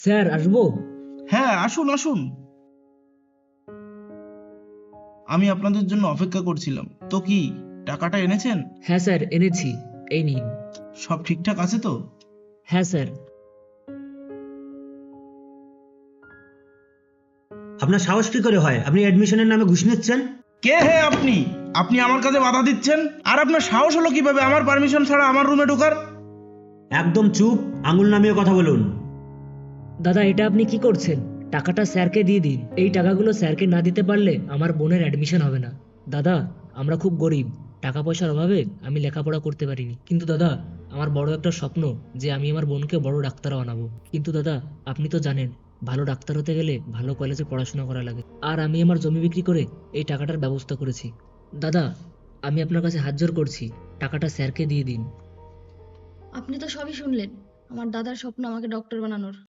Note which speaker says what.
Speaker 1: Sir আসবো?
Speaker 2: হ্যাঁ, আসুন আসুন। আমি আপনাদের জন্য অপেক্ষা করছিলাম। তো কি, টাকাটা এনেছেন?
Speaker 1: হ্যাঁ স্যার, এনেছি। এই নিন।
Speaker 2: সব ঠিকঠাক আছে তো?
Speaker 1: হ্যাঁ স্যার।
Speaker 3: আপনার সাহস কি করে হয় আপনি অ্যাডমিশনের নামে ঘুষ নিচ্ছেন?
Speaker 2: কে হে আপনি? আপনি আমার কাছে বাধা দিচ্ছেন? আর আপনার সাহস হলো কিভাবে আমার পারমিশন ছাড়া আমার রুমে ঢোকার?
Speaker 3: একদম চুপ, আঙুল নামিয়ে কথা বলুন।
Speaker 1: দাদা, এটা আপনি কি করছেন? টাকাটা স্যারকে দিয়ে দিন। এই টাকাগুলো স্যারকে না দিতে পারলে আমার বোনের অ্যাডমিশন হবে না। দাদা, আমরা খুব গরিব। টাকা পয়সার অভাবে আমি লেখাপড়া করতে পারিনি। কিন্তু দাদা, আমার বড় একটা স্বপ্ন যে আমি আমার বোনকে বড় ডাক্তার বানাবো। কিন্তু দাদা, আপনি তো জানেন ভালো ডাক্তার হতে গেলে ভালো কলেজে পড়াশোনা করা লাগে। আর আমি আমার জমি বিক্রি করে এই টাকাটার ব্যবস্থা করেছি। দাদা, আমি আপনার কাছে হাত জোড় করছি, টাকাটা স্যারকে দিয়ে দিন।
Speaker 4: আপনি তো সবই শুনলেন। আমার দাদার স্বপ্ন আমাকে ডক্টর বানানোর।